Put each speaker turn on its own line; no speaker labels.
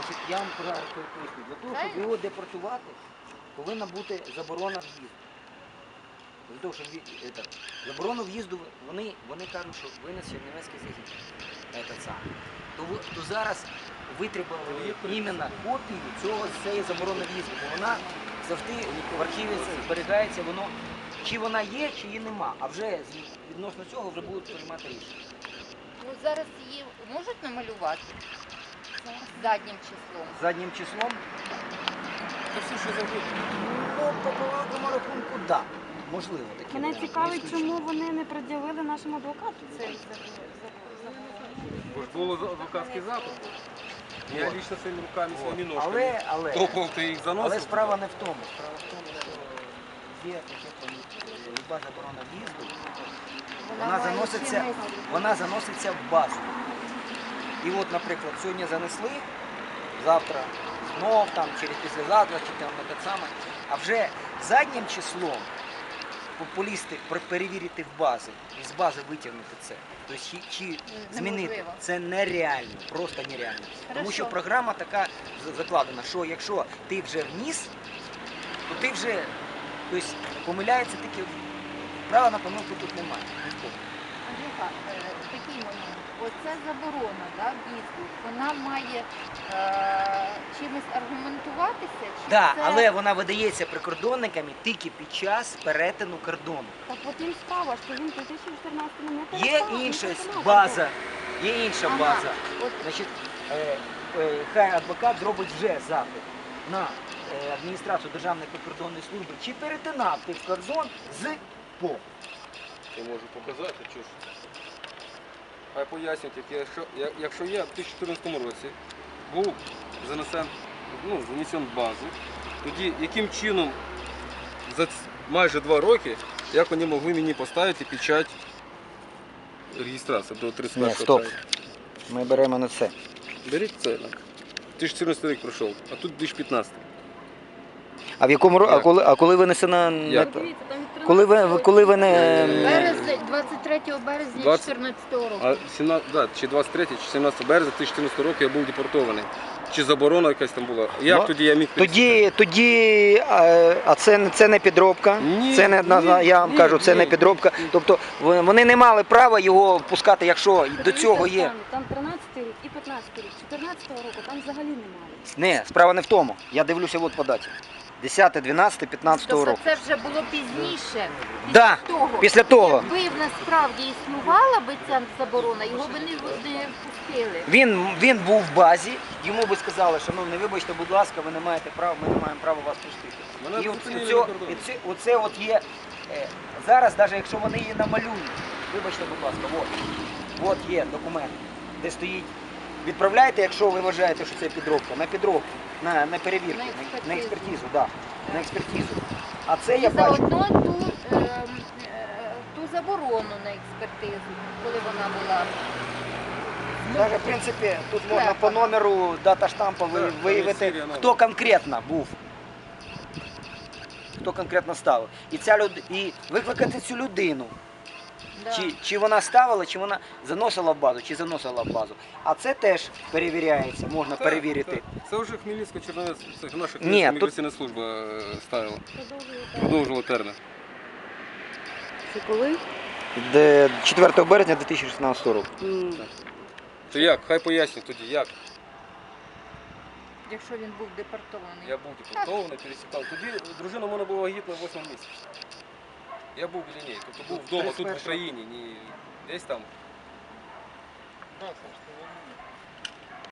Значить, я вам поясню. Для того, щоб його депортувати, повинна бути заборона в'їзду. Для того, щоб заборону в'їзду, вони кажуть, що винес Чернівецький загін. То зараз витребували іменно копію цієї заборони в'їзду, бо вона завжди в архіві зберігається, чи вона є, чи її нема. А вже відносно цього вже будуть приймати рішення.
Ну, зараз її можуть намалювати заднім числом?
Заднім числом?
Це все, що завгодно.
Ну, по великому рахунку, так. Да. Можливо, таке.
Мене цікавить, чому вони не пред'явили нашому адвокату цей
Бо ж було адвокатський запит. Я лично своїми руками, своїми ножками топав, ти їх заносив.
Але справа не в тому. Справа в тому, що є таке люба заборона в'їзду, вона заноситься в базу. І от, наприклад, сьогодні занесли, завтра знов, там, через післязавтра, чи там не так само, а вже заднім числом популісти перевірити в бази і з бази витягнути це. Тобто чи змінити це нереально, просто нереально. Тому що програма така закладена, що якщо ти вже вніс, то ти вже, тобто, помиляється тільки, права на помилку тут немає.
Такий момент. Оця заборона, да, в'їзду, вона має чимось аргументуватися?
Так, але вона видається прикордонниками тільки під час перетину кордону.
Так от їм справа, що він у 2014-му не перестав.
Є інша база, Значить, хай адвокат зробить вже запит на адміністрацію Державної прикордонної служби, чи перетинав ти кордон з ПО.
Я можу показати, що ж. Хай пояснюють, якщо я в 2014 році був занесен в базу, тоді яким чином за майже 2 роки, як вони могли мені поставити печать реєстрації до 31
Ні, стоп. Ми беремо на це.
Беріть це. 2014 рік пройшов, а тут 2015.
А в якому коли винесена... Коли ви не...
23 березня 2014 року.
Чи 23, чи 17 березня 2014 року я був депортований. Чи заборона якась там була? Як тоді я міг...
А це не підробка?
Ні,
я вам кажу, це не підробка. Тобто вони не мали права його пускати, якщо до цього є...
Там 13 рік і 15 рік, 14 року там взагалі немає.
Не, справа не в тому. Я дивлюся от по даті. 10, 12, 15 року.
Тобто це вже було пізніше.
Так, після того.
Якби в нас справді існувала би ця заборона, його би не впустили.
Він був в базі, йому би сказали, шановний, вибачте, будь ласка, ви не маєте права, ми не маємо права вас пустити. І оце от є, зараз, навіть якщо вони її намалюють, вибачте, будь ласка, от є документ, де стоїть, відправляйте, якщо ви вважаєте, що це підробка, на підробку, на перевірку, на експертизу, да, на експертизу. А це я бачу.
Заодно ту заборону на експертизу, коли вона була.
Навіть, в принципі, тут можна по номеру дата штампу виявити, хто конкретно був. Хто конкретно ставив. І викликати цю людину.
Да.
Чи вона ставила, чи вона заносила в базу, чи заносила в базу. А це теж перевіряється, можна перевірити.
Це вже Хмельницька-Чернівець, це наша Хмельницька міграційна служба ставила. Продовжувала термін.
Це коли?
4 березня 2016 року.
То як? Хай пояснять тоді, як?
Якщо він був депортований.
Я був депортований, пересікав. Тоді дружина в мене була вагітна 8 місяців. Я був біля неї, тобто був вдома, тут в Україні, не десь там.